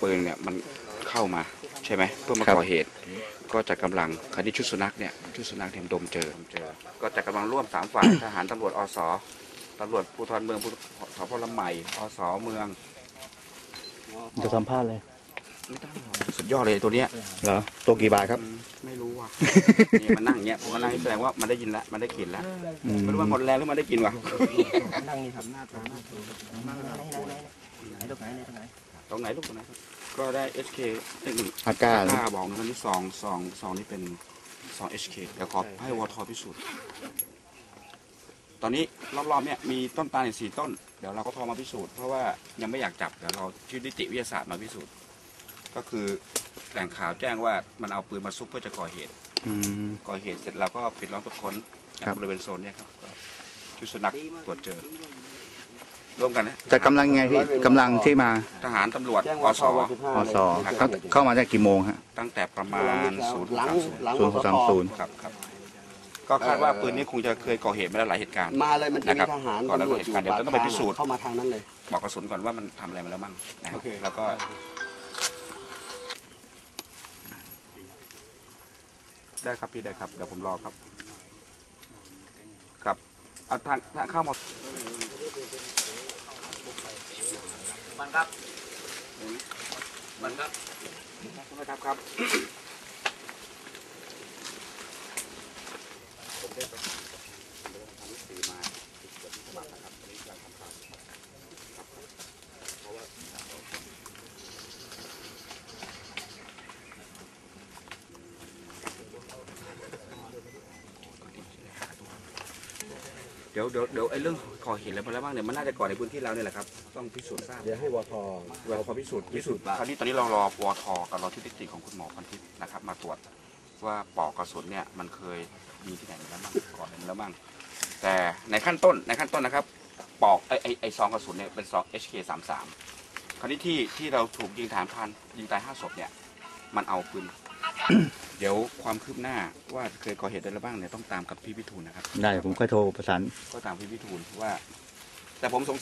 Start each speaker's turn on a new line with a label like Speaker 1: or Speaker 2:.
Speaker 1: ปืนเนี่ยมันเข้ามาใช่ไหมเพื่อมาก่อเหตุก็จัดกำลังคดีชุดสุนัขเนี่ยดมเจอก็จัดกำลังร่วม3 ฝ่าย ทหารตำรวจอสตำรวจภูธรเมืองสพลำใหม่อสเมือง
Speaker 2: จะสัมภาษณ์เลย
Speaker 1: ไม่ต้องสุดยอดเลยตัวเนี้ย
Speaker 2: เหรอตัวกี่บาทครับ
Speaker 1: ไม่รู้ว่ะนี่มันนั่งเงี้ยผมมันนั่งแสดงว่ามันได้ยินแล้วมันได้กลิ่นแล้วไม่รู้มันหมดแรงหรือมันได้กินวะ
Speaker 3: นั่งนี่ครับหน้าตรง
Speaker 1: ตรงไหนลูกตรงไหนก็ได้ HK
Speaker 2: อาก้า
Speaker 1: บอกนะนี่ซองนี่เป็นซอง HK เดี๋ยวขอให้วทพิสูจน์ตอนนี้รอบๆเนี่ยมีต้นตาลอีก4 ต้นเดี๋ยวเราก็โทรมาพิสูจน์เพราะว่ายังไม่อยากจับเดี๋ยวเราชื่อนิติวิทยาศาสตร์มาพิสูจน์ก็คือแหล่งข่าวแจ้งว่ามันเอาปืนมาซุกเพื่อจะก่อเหตุเสร็จเราก็ปิดล้อมตรวจค้นบริเวณโซนเนี่ยครับชุดสุนัขตรวจเจอร่วมกันนะ
Speaker 2: จะกำลังไงพี่กำลังที่มา
Speaker 1: ทหารตำรวจอส
Speaker 2: เข้ามาจากกี่โมงฮะ
Speaker 1: ตั้งแต่ประมาณ
Speaker 2: 0:30
Speaker 1: ครับก็คาดว่าปืนนี้คงจะเคยก่อเหตุมาแล้วหลายเหตุการณ์
Speaker 3: มาเลยมันจะมีทหาร
Speaker 1: ก่อนแล้วเหตุการณ์เดี๋ยวต้องไปพิสูจน์
Speaker 3: เข้ามาทางนั้นเลย
Speaker 1: บอกกระสุนก่อนว่ามันทำอะไรมาแล้วบ้างนะครับแล้วก็ได้ครับพี่ได้ครับเดี๋ยวผมรอครับครับเอาทางเข้ามามันครับครับผมได้ไปทำหนังสือมาฉบับนะครับตอนนี้กำลังทำข่าวเพราะว่าเดี๋ยวไอ้เรื่องก่อเหตุอะไรมาแล้วบ้างเนี่ยมันน่าจะก่อในพื้นที่เราเนี่ยแหละครับต้องพิสูจน์ทราบ
Speaker 3: เดี๋ยวให้วท
Speaker 1: พิสูจน์คราวนี้ตอนนี้เรารอวทกับรอที่นิติของคุณหมอพันทิพย์นะครับมาตรวจว่าปลอกกระสุนเนี่ยมันเคยมีที่ไหนมาแล้วบ้างก่อนแล้วบ้างแต่ในขั้นต้นนะครับปลอกไอซองกระสุนเนี่ยเป็นซอง HK33 คราวนี้ที่เราถูกยิงฐานพันยิงตาย5 ศพเนี่ยมันเอาปืน เดี๋ยวความคืบหน้าว่าเคยก่อเหตุอะไรบ้างเนี่ยต้องตามกับพี่พิทูลนะครับ
Speaker 2: ได้ผมค่อยโทรประสาน
Speaker 1: ก็ตามพี่พิทูลว่าแต่ผมสง